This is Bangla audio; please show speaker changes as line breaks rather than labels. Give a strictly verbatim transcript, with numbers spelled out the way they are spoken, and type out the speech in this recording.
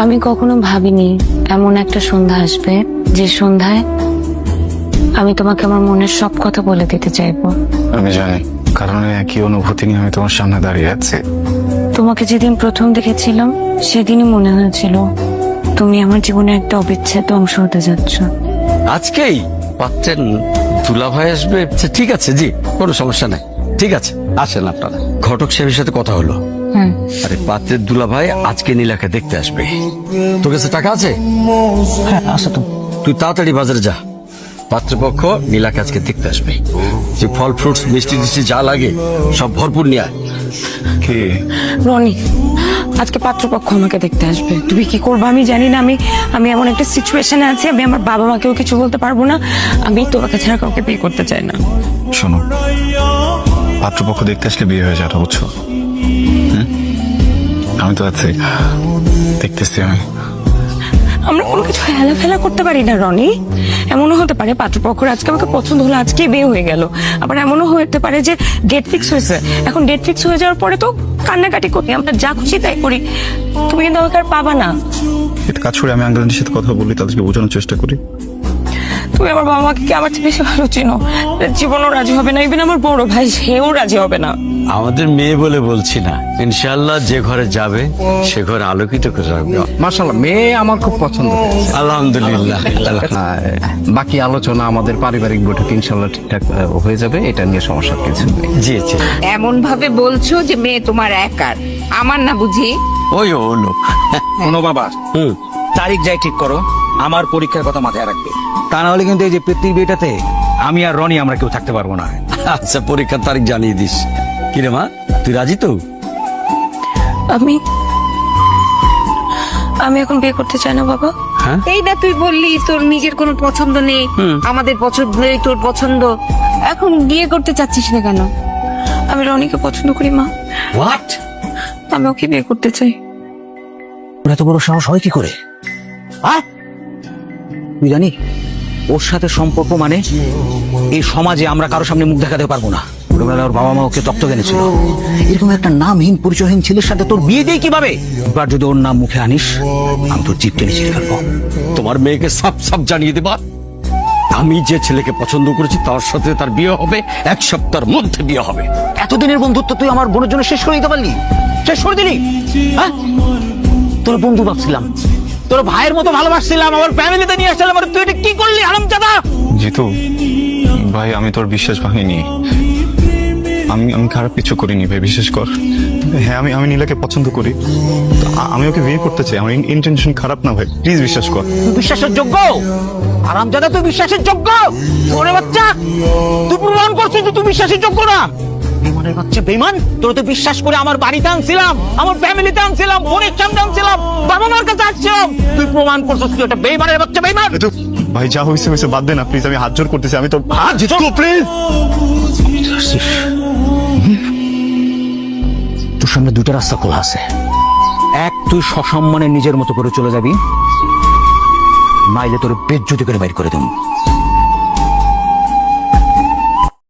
আমি কখনো ভাবিনি এমন একটা সন্ধ্যা আসবে যে সন্ধ্যায় আমি তোমাকে আমার মনের সব কথা বলে দিতে চাইবো।
আমি জানি, কারণ একই অনুভূতি নিয়ে আমি তোমার সামনে দাঁড়িয়ে আছি।
তোমাকে যেদিন প্রথম দেখেছিলাম সেদিনই মনে হয়েছিল তুমি আমার জীবনের একটা অবিচ্ছেদ্য অংশ হতে যাচ্ছ।
আজকেই পাচ্ছেন দুলাভাই আসবে? আচ্ছা, ঠিক আছে জি, কোনো সমস্যা নাই, ঠিক আছে আসেন আপনারা। ঘটক সাহেবের সাথে কথা হলো,
হুম,
আরে পাত্রের দুলাভাই আজকে নীলাকে দেখতে আসবে। তোর কাছে টাকা আছে?
হ্যাঁ আছে তো।
তুই তাড়াতাড়ি বাজারে যা, পাত্রপক্ষ নীলাকে আজকে দেখতে আসবে। যে ফল ফ্রুটস মিষ্টি টিষ্টি যা লাগে সব ভরপুর নিয়ে আয়।
কি
রনি, আজকে পাত্রপক্ষ আমাকে দেখতে আসবে। তুমি কি করবে আমি জানি না। আমি আমি এমন একটা সিচুয়েশনে আছি, আমি আমার বাবা মাকেও কিছু বলতে পারবো না। আমি তোমাকে ছাড়া কাউকে বিয়ে করতে চাই না।
শোনো, পাত্রপক্ষ দেখতে আসলে বিয়ে হয়ে যাবে, বুঝছো? হুম? আমি তো আছি, দেখতেছি আমি।
আমরা কোনো কিছু হেলা ফেলা করতে পারি না রনি। এমনও হতে পারে পাত্রপক্ষের আজকে আমাকে পছন্দ হলো, আজকে বিয়ে হয়ে গেল। আবার এমনও হতে পারে যে ডেট ফিক্স হয়েছে, এখন ডেট ফিক্স হয়ে যাওয়ার পরে তো কান্নাকাটি করি, আমরা যা খুশি তাই করি। তুমি কিন্তু আমাকে আর পাবা না।
এটা কাজ করে আমি আঙ্কেলের সাথে কথা বলি, তাদেরকে বোঝানোর চেষ্টা করি।
তুমি আমার বাবা মাকে কি আমার চেয়ে বেশি ভালো চিনো? জীবনও রাজি হবে না, ইভেন আমার বড় ভাই সেও রাজি হবে না।
আমাদের মেয়ে বলে বলছি না, ইনশাআল্লাহ যে ঘরে যাবে সে ঘরে আলোকিত করে রাখবে।
মাশাআল্লাহ, মেয়ে আমার খুব পছন্দ হয়েছে।
আলহামদুলিল্লাহ।
আর বাকি আলোচনা আমাদের পারিবারিক বৈঠক ইনশাআল্লাহ ঠিকঠাক আহ, হয়ে যাবে, এটা নিয়ে সমস্যা কিছু নেই।
জি জি,
এমন ভাবে বলছো যে মেয়ে তোমার একার, আমার না বুঝি?
ওই ও লোক।
শোনো বাবা,
হুম,
তারিখ যাই ঠিক করো, আমার পরীক্ষার কথা মাথায় রাখবে। তা না হলে কিন্তু এই যে পৃথিবীটাতে আমি আর রনি আমরা কেউ থাকতে পারবো না।
আচ্ছা পরীক্ষার তারিখ জানিয়ে দিস। কিরে মা, তুই রাজি তো?
আমি আমি এখন বিয়ে করতে চাই না বাবা।
হ্যাঁ,
এই না তুই বললি তোর নিজের কোনো পছন্দ নেই, আমাদের পছন্দই তোর পছন্দ, এখন বিয়ে করতে চাচ্ছিস না কেন?
আমি রনিকে পছন্দ করি মা,
হোয়াট?
আমি ওকে বিয়ে করতে চাই।
ওর এত বড় সাহস হয় কি করে? হ্যাঁ, তুই জানি ওর সাথে সম্পর্ক মানে এই সমাজে আমরা কারো সামনে মুখ দেখাতে পারবো না। ছোটবেলায় ওর বাবা মা ওকে দত্তক এনেছিল। এরকম একটা নামহীন পরিচয়হীন ছেলের সাথে তোর বিয়ে দেয় কিভাবে? এবার যদি ওর নাম মুখে আনিস, আমি তোর জিপ টেনে ছিঁড়ে ফেলবো।
তোমার মেয়েকে সাপ সাপ জানিয়ে দেবা, আমি যে ছেলেকে পছন্দ করেছি তার সাথে তার বিয়ে হবে, এক সপ্তাহের মধ্যে বিয়ে হবে।
এতদিনের বন্ধুত্ব তুই আমার বোনের জন্য শেষ করে দিতে পারলি? শেষ করে দিলি? হ্যাঁ, তোর বন্ধু ভাবছিলাম, তোর ভাইয়ের মতো ভালোবাসছিলাম, আমার ফ্যামিলিতে নিয়ে আসছিলাম, আর তুই এটা কি করলি হারামজাদা?
জিতু ভাই, আমি তোর বিশ্বাস ভাঙিনি। আমি আমি খারাপ কিছু করিনি ভাই, বিশ্বাস কর। হ্যাঁ, আমি আমি নীলাকে পছন্দ করি, তো আ- আমি ওকে বিয়ে করতে চাই। আমার ইন্টেনশন খারাপ না ভাই, প্লিজ বিশ্বাস কর।
তুই বিশ্বাসের যোগ্য? হারামজাদা, তুই বিশ্বাসের যোগ্য? ওরে বাচ্চা, তুই প্রমাণ করছিস যে তুই বিশ্বাসের যোগ্য না। বেমানের বাচ্চা বেমান, তোর তো বিশ্বাস করে আমার বাড়িতে আনছিলাম, আমার ফ্যামিলিতে আনছিলাম, বোনের সামনে আনছিলাম, বাবা মার কাছে আসছিলাম, তুই প্রমাণ করছিস তুই একটা বেমানের বাচ্চা বেমান।
জিতু ভাই, যা হয়েছে হয়েছে, বাদ দে না প্লিজ। আমি হাত জোর করতেছি, আমি তো হাত জিতু প্লিজ।
তোর সামনে দুটো রাস্তা খোলা আছে। এক, তুই সসম্মানে নিজের মতো করে চলে যাবি, নাইলে তোর বেজ্জতি করে বাইর করে দেব।